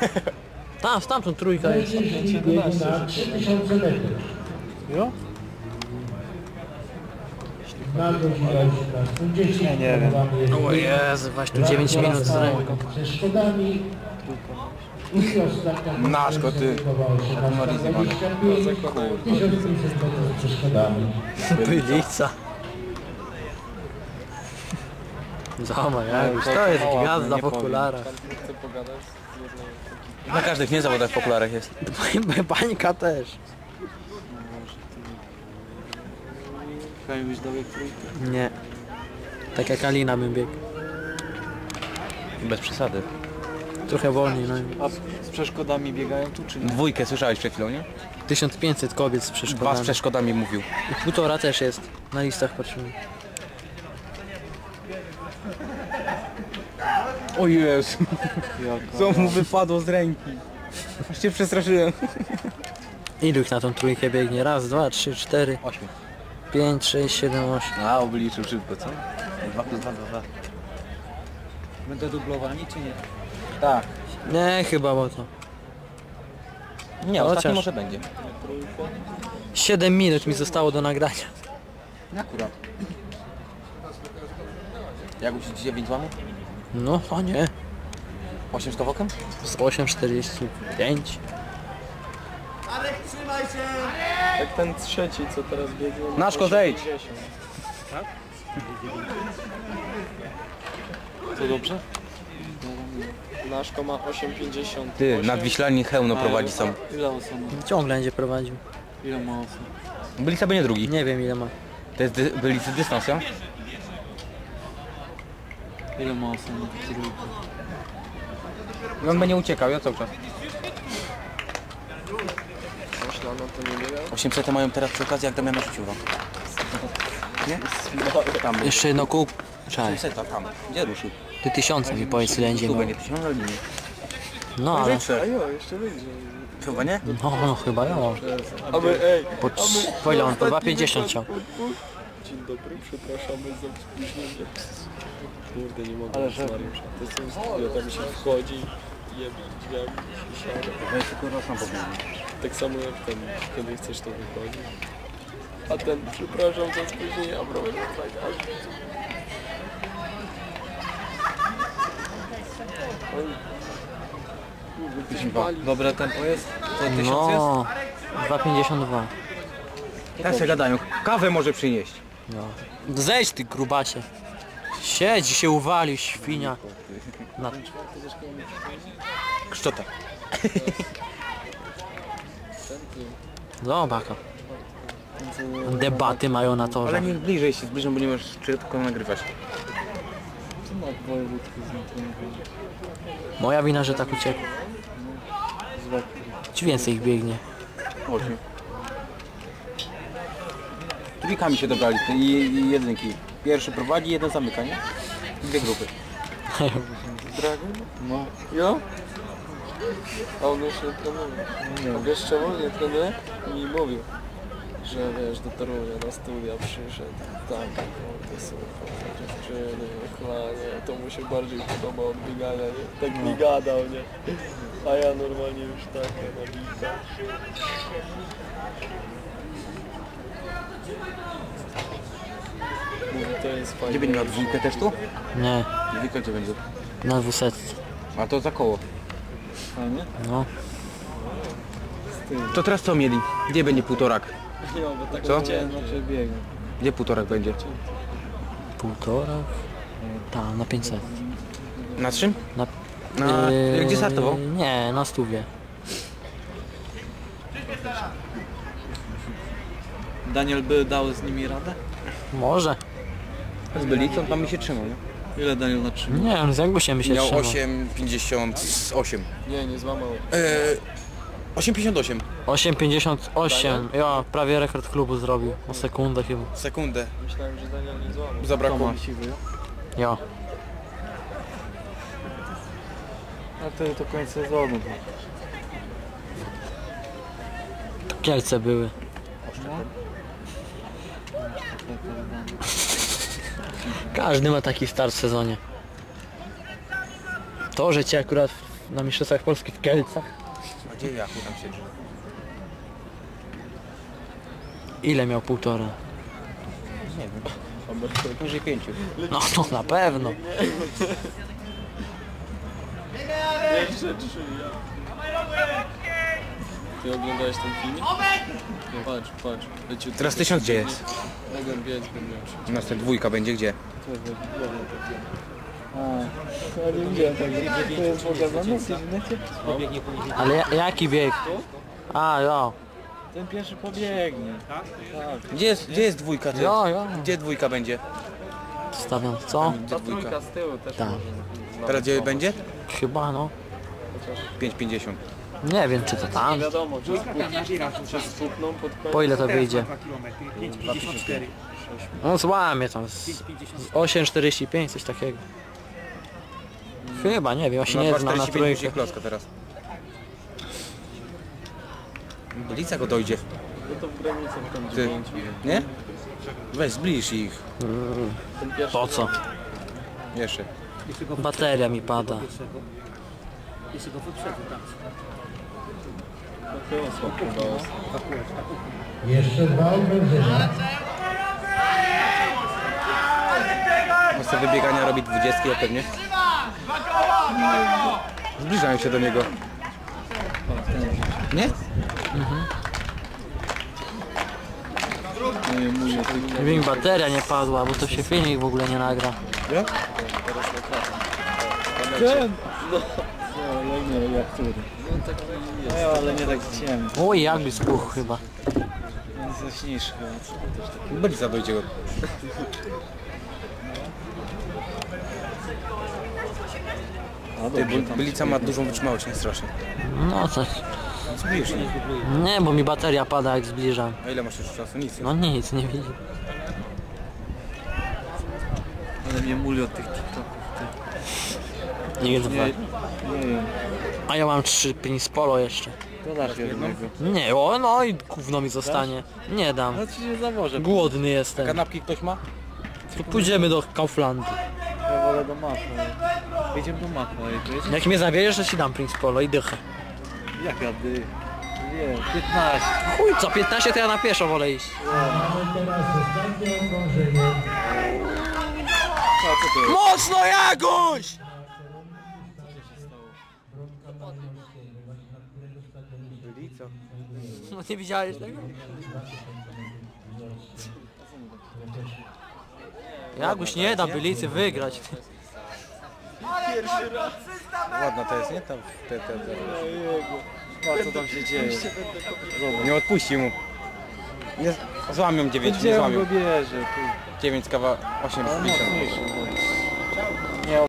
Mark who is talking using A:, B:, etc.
A: Tam, stamtąd trójka jest.
B: 3000 metrów.
C: Jo?
B: Na godzineczka. 10
C: nie wiem.
A: O Jezu, właśnie tu 9 minut z ręką.
B: Ze Szkodami. I ostatnia
D: Naszko, ty. Marizję mamy.
B: 1500 metrów ze Szkodami.
A: Bylica. Zobacz, jak już to jest gwiazda w okularach.
D: Na każdych nie zawodach w okularach jest.
A: Bańka też.
C: Kamiś dobiegł trójkę.
A: Nie. Tak jak Alina bym biegł.
D: Bez przesady.
A: Trochę wolniej, no.
C: A z przeszkodami biegają tu czy nie?
D: Dwójkę słyszałeś przed chwilą, nie?
A: 1500 kobiet z
D: Dwa z
A: przeszkodami.
D: przeszkodami mówił.
A: I 1,5 też jest. Na listach patrzymy.
D: O Jezu,
C: Jaka?
D: co mu wypadło z ręki. Aż się przestraszyłem.
A: Ilu ich na tą trójkę biegnie? Raz, dwa, trzy, cztery,
D: 8.
A: 5, 6, 7, 8.
D: A, obliczył szybko, co? 2 plus 2, 2.
C: Będą dublowani czy nie?
D: Tak.
A: Nie, chyba, bo to.
D: Nie,
A: Chociaż.
D: ostatni może będzie.
A: 7 minut mi zostało do nagrania.
D: Akurat. Jak usiąść 9 złamów?
A: No, o nie.
D: 8 z kawałkiem?
A: Z 8,45.
E: Jak ten trzeci, co teraz biegnie.
D: Naszko, zejdź!
C: To dobrze?
E: Naszko ma 8,50.
D: Ty, nadwiślanie hełno prowadzi sam.
C: Ile osób?
A: Ciągle będzie prowadził.
C: Ile ma osób?
D: Byli sobie nie drugi.
A: Nie wiem ile ma.
D: To jest byli dystans, ja?
C: Ile ma osób na tej trójce?
D: On będzie uciekał, ja cały czas.
E: Myślano, to nie biega.
D: 800 mają teraz przy okazji, jak Damiana rzucił wam. Nie? Tam był.
A: Jeszcze jedno kół. Czekaj.
D: 800, tam. Gdzie ruszył?
A: Ty 1000 mi powiedz ile będzie
D: Tu
A: miał.
D: będzie 1000 albo nie?
A: No ale...
E: A jo, jeszcze będzie.
D: Chyba nie?
A: No chyba ja.
E: A my, ej,
A: Po ile on? Po 2,50 chciał.
E: dzień dobry, przepraszamy za spóźnienie. Kurde, nie mogę.
C: Ale że-
E: To są ja tam się wchodzi, jebie drzwiami, siada.
D: To jest tylko raz na powiem.
E: Tak samo jak ten, kiedy chcesz to wychodzi. A ten, przepraszam za spóźnienie, a problem jest tak,
D: Dobre tempo jest? To 1000 jest?
A: No. 2,52.
D: Teraz się gadają. Kawę może przynieść.
A: No. Zejdź ty grubacie. Siedź się uwalił, świnia. Na...
D: Kszczota.
A: Zobacz. Debaty mają na torze.
D: Ale niech bliżej się zbliżą, bo nie możesz tylko nagrywać.
C: Co ma wojewódzki z tym?
A: Moja wina, że tak uciekł. Ci więcej ich biegnie.
D: 8. Trójkami się dobrali i jedynki. Pierwszy prowadzi, jeden zamyka, nie? Dwie grupy.
E: Dragon?
C: No.
E: Jo? A on już nie trenuje. A wiesz czemu nie trenuje? Mi mówił, że wiesz, do Torunia na studia przyszedł. Tak, to super, dziewczyny, chlanie, to mu się bardziej podoba od biegania, nie? Tak mi gadał, nie? A ja normalnie już takie nabita. Mówi, to jest fajne.
D: Gdzie będzie miał dwójkę też tu?
A: Nie,
D: Dwójka gdzie będzie?
A: na 200.
D: A to za koło.
C: Fajnie?
A: No.
D: To teraz co mieli? Gdzie będzie półtorak?
E: Nie, bo tak
D: Co?
E: chciałem,
C: Znaczy biegam.
D: Gdzie półtorak będzie?
A: Półtora? Tak, na 500.
D: Na czym?
A: Na...
D: Na... Gdzie startował?
A: Nie, na stówie.
C: Daniel by dał z nimi radę?
A: Może.
D: Z Bylicą tam mi się trzymał, nie?
C: Ile Daniel na 3?
A: Nie wiem, z Jangusiem by się
D: Miał
A: trzymał.
D: 8,58.
E: Nie złamał.
D: 8,58.
A: 8,58. Ja prawie rekord klubu zrobił. O sekundę chyba.
D: Sekundę.
E: Myślałem, że Daniel nie złamał.
D: Zabrakło.
C: siwy.
A: Ja.
C: A to koniec sezonu.
A: Kielce były. Każdy ma taki start w sezonie. To, że cię akurat na Mistrzostwach Polski w Kielcach.
D: A gdzie Jachu tam siedzi?
A: Ile miał 1,5?
D: Nie wiem. Poniżej 5.
A: No to na pewno.
E: Jeszcze 3. Ty oglądałeś ten film? Nie, patrz. Leciutko.
D: Teraz 1000 gdzie jest?
E: Mogę biec, bym miał się.
D: U nas ten 2 będzie gdzie?
C: Ja nie widziałem tak, to jest pokazane w internecie?
A: Ale jaki bieg? A, jo.
C: Ten pierwszy pobiegnie. Tak?
D: Gdzie jest 2 ty?
A: Jo.
D: Gdzie 2 będzie?
A: Stawiam, co?
D: Gdzie 2?
E: Trójka z tyłu też
A: Tak.
E: może.
D: Teraz gdzie będzie?
A: Chyba no.
D: 5,50.
A: Nie wiem czy to tam.
E: Nie wiadomo, czy sputną pod koniec.
A: Po ile to wyjdzie? No złamie tam z 8,45 coś takiego. Chyba, nie wiem, ja się nie znam na
D: 2,45
A: trójkę.
D: klocka teraz. Bylica go dojdzie.
E: No to w granicach tam
D: Ty.
E: 9.
D: Nie? Weź zbliż ich.
E: Ten pierwszy
A: Po co?
D: Jeszcze.
A: Bateria mi pada.
E: chyba słabo.
B: Jeszcze 2 okrążenia.
D: On sobie wybiegania robi 20 ja pewnie. Zbliżają się do niego. Nie?
A: Gdyby mi bateria nie padła, bo to się filmik w ogóle nie nagra.
D: Nie?
C: Ten! No, ale nie, jak który.
E: No taki jest.
C: No, ale nie tak ciemny.
A: Oj, jakby spuchł chyba.
C: Jest jaśniejszy chyba. Co to też tak.
D: Bylica dojdzie go. Ty, Bylica ma dużą wytrzymałość, nie strasznie.
A: No coś.
D: Zbliż ich.
A: Nie, bo mi bateria pada jak zbliżam.
D: A ile masz jeszcze czasu? Nic.
A: No nic, nie widzę.
C: Ale mnie muli od tych TikToków.
A: Nie dwa.
C: Nie wiem.
A: A ja mam 3 Prince Polo jeszcze.
C: To dasz jednego.
A: Nie, o no i gówno mi zostanie. Nie dam.
C: No ci nie zawożę.
A: Głodny jestem.
D: Kanapki ktoś ma?
A: To pójdziemy do Kauflandu.
C: Ja wolę do Macha. Jedziemy do Macha.
A: Jak mnie zabierzesz, to ci dam Prince Polo i dychę.
C: Jaka ty? Nie, 15.
A: Chuj, co 15 to ja na pieszo wolę iść.
B: Mamy teraz ostatnie okrążenie.
A: Mocno Jaguś!
D: Bylica.
A: No nie widziałeś tego? Jaguś nie da Bylicy wygrać.
D: Ładna to jest, nie? Tam te.
C: A co tam się dzieje?
D: Nie odpuści mu. Nie, złamią 9, nie
C: Gdzie on
D: złamią.
C: go bierze?
D: 9 kawa 8,50.
C: Mocniejszy.